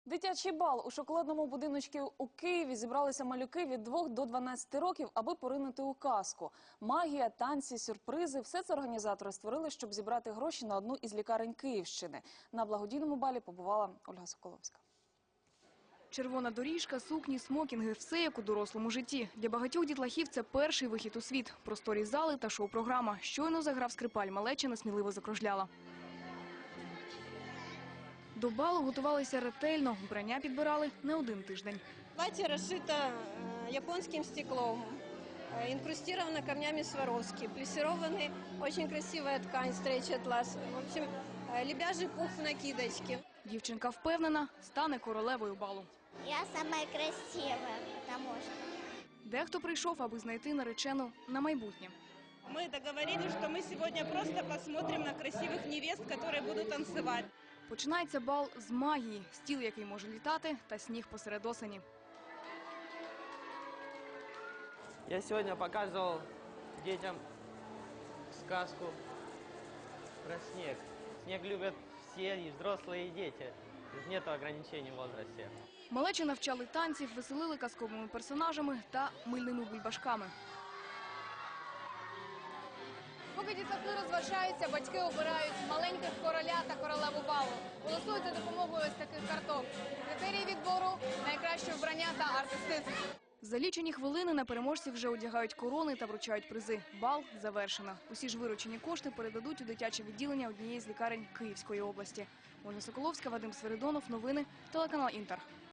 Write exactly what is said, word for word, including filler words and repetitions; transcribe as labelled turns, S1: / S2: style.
S1: Дитячий бал у шоколадному будиночку у Києві зібралися малюки від двох до дванадцяти років, аби поринути у казку. Магія, танці, сюрпризи – все це організатори створили, щоб зібрати гроші на одну із лікарень Київщини. На благодійному балі побувала Ольга Соколовська.
S2: Червона доріжка, сукні, смокінги – все як у дорослому житті. Для багатьох дітлахів це перший вихід у світ. Просторі зали та шоу-програма. Щойно заграв скрипаль, малеча сміливо закружляла. До балу готувалися ретельно, вбрання підбирали не один тиждень.
S3: Платье расшито японским стеклом, инкрустировано камнями Сваровски, плессированная очень красивая ткань, стрейч-атлас. В общем, лебяжий пух в накидочке.
S2: Дівчинка впевнена, стане королевою балу.
S4: Я самая красивая, потому что...
S2: Дехто прийшов, аби знайти наречену на майбутнє.
S5: Мы договорились, что мы сегодня просто посмотрим на красивых невест, которые будут танцевать.
S2: Починається бал з магії, стіл, який може літати, та сніг посеред осені.
S6: Я сегодня показывал детям сказку про снег. Снег любят все, и взрослые, и дети. Нет ограничений в возрасте.
S2: Малечі навчали танців, веселили казковими персонажами та мильними бульбашками. Поки дітлахи розважаються, батьки обирають маленьких короля та королеву балу. Голосують за допомогою ось таких карток. Критерії відбору – найкраще вбрання та артистизм. За лічені хвилини на переможців вже одягають корони та вручають призи. Бал завершено. Усі ж виручені кошти передадуть у дитяче відділення однієї з лікарень Київської області. Ольга Соколовська, Вадим Свиридонов. Новини. Телеканал «Інтер».